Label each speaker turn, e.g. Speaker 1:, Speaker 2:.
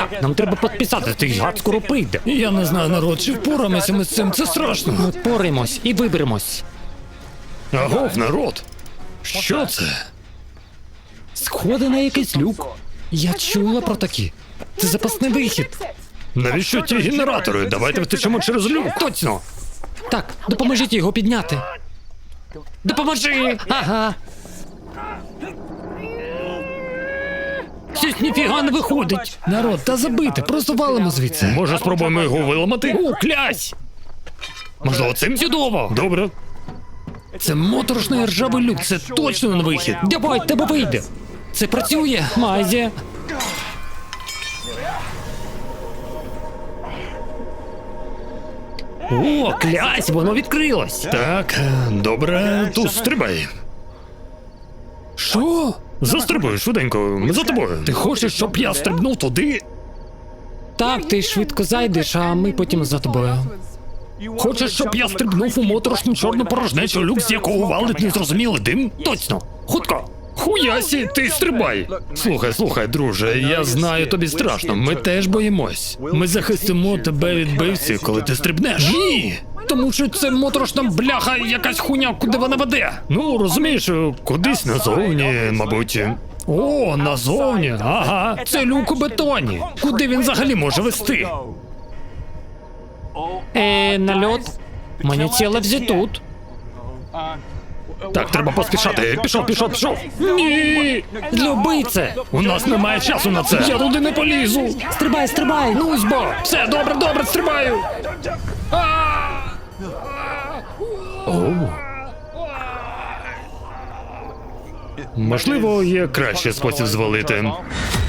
Speaker 1: Нам треба підписати, ти гад скоро прийде.
Speaker 2: Я не знаю, народ, чи впораємося ми з цим, це страшно.
Speaker 1: Ми впораємось і виберемось.
Speaker 2: Агов, народ! Що це?
Speaker 1: Сходи на якийсь люк. Я чула про такі. Це запасний вихід.
Speaker 2: Навіщо ті генератори? Давайте втечемо через люк.
Speaker 1: Точно. Так, допоможіть його підняти. Допоможи! Ага. Щось ніфіга не виходить.
Speaker 2: Народ, та забити, просто валимо звідси. Може, спробуємо його виламати?
Speaker 1: О, клясь!
Speaker 2: Можливо, цим?
Speaker 1: Чудово!
Speaker 2: Добре.
Speaker 1: Це моторошний ржавий люк, це точно не вихід. Давай, тебе вийде. Це працює, майже. О, клясь, воно відкрилось.
Speaker 2: Так, добре, тут стрибай.
Speaker 1: Що?
Speaker 2: Застрибуй швиденько, ми за тобою. Ти хочеш, щоб я стрибнув туди?
Speaker 1: Так, ти швидко зайдеш, а ми потім за тобою.
Speaker 2: Хочеш, щоб я стрибнув у моторошну чорну порожнечу, люк, з якого валить незрозумілий дим?
Speaker 1: Точно, хутко.
Speaker 2: Хуясі, ти стрибай! Слухай, друже, я знаю, тобі страшно, ми теж боїмось. Ми захистимо тебе від бивців, коли ти стрибнеш.
Speaker 1: Ні!
Speaker 2: Тому що це моторошна бляха, якась хуйня, куди вона веде. Ну, розумієш, кудись назовні, мабуть. О, назовні, ага, це люк у бетоні. Куди він взагалі може вести?
Speaker 1: Нальот. Мені ціле тут.
Speaker 2: Так, треба поспішати. Пішов. Ні!
Speaker 1: Люби це.
Speaker 2: У нас немає часу на це. Я туди не полізу.
Speaker 1: Стрибай.
Speaker 2: Ну, збо. Все, добре, стрибаю. Оу. Можливо, є кращий спосіб звалити.